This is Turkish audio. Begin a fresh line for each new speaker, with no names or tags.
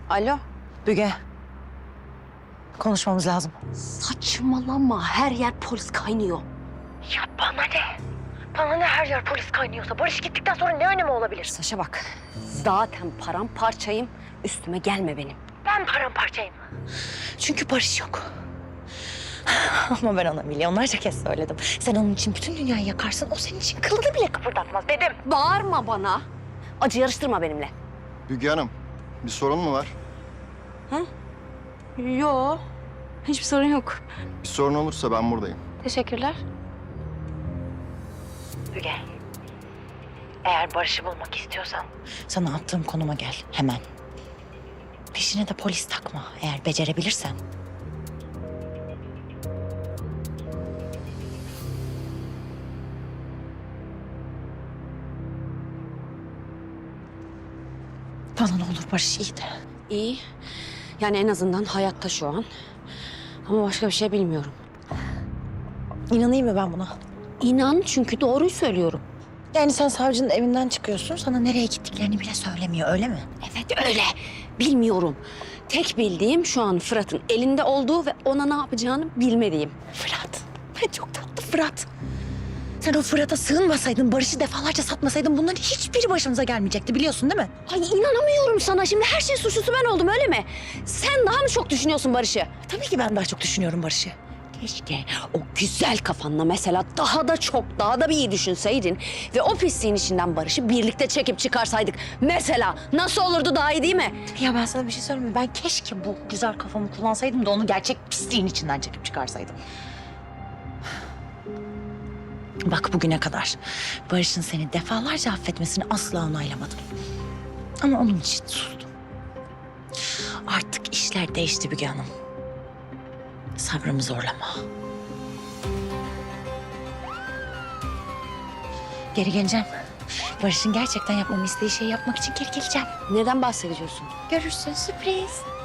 Alo.
Müge. Konuşmamız lazım.
Saçmalama, her yer polis kaynıyor.
Ya bana ne? Bana ne her yer polis kaynıyorsa? Barış gittikten sonra ne önemi olabilir?
Saşa bak, zaten paramparçayım, üstüme gelme benim.
Ben paramparçayım. Çünkü Barış yok. Ama ben ona milyonlarca kez söyledim. Sen onun için bütün dünyayı yakarsın, o senin için kılını bile kıpırdatmaz dedim.
Bağırma bana, acı yarıştırma benimle.
Müge Hanım, bir sorun mu var?
Yo, hiçbir sorun yok.
Bir sorun olursa ben buradayım.
Teşekkürler.
Müge, eğer Barış'ı bulmak istiyorsan sana attığım konuma gel hemen. Peşine de polis takma eğer becerebilirsen. Bana ne olur Barış iyi de.
İyi, yani en azından hayatta şu an. Ama başka bir şey bilmiyorum.
İnanayım mı ben buna?
İnan, çünkü doğruyu söylüyorum.
Yani sen savcının evinden çıkıyorsun, sana nereye gittiklerini bile söylemiyor, öyle mi?
Evet öyle, bilmiyorum. Tek bildiğim şu an Fırat'ın elinde olduğu ve ona ne yapacağını bilmediğim.
Fırat, çok tatlı Fırat. Sen o Fırat'a sığınmasaydın, Barış'ı defalarca satmasaydın bunların hiçbiri başımıza gelmeyecekti, biliyorsun değil mi?
Ay inanamıyorum sana, şimdi her şeyin suçlusu ben oldum öyle mi? Sen daha mı çok düşünüyorsun Barış'ı?
Tabii ki ben daha çok düşünüyorum Barış'ı.
Keşke o güzel kafanla mesela daha da bir iyi düşünseydin ve o pisliğin içinden Barış'ı birlikte çekip çıkarsaydık. Mesela nasıl olurdu, daha iyi değil mi?
Ya ben sana bir şey söyleyeyim mi? Ben keşke bu güzel kafamı kullansaydım da onu gerçek pisliğin içinden çekip çıkarsaydım. Bak bugüne kadar Barış'ın seni defalarca affetmesini asla onaylamadım. Ama onun için sustum. Artık işler değişti Müge Hanım. Sabrımı zorlama. Geri geleceğim. Barış'ın gerçekten yapmamı istediği şeyi yapmak için geri geleceğim.
Neden bahsediyorsun?
Görürsün, sürpriz.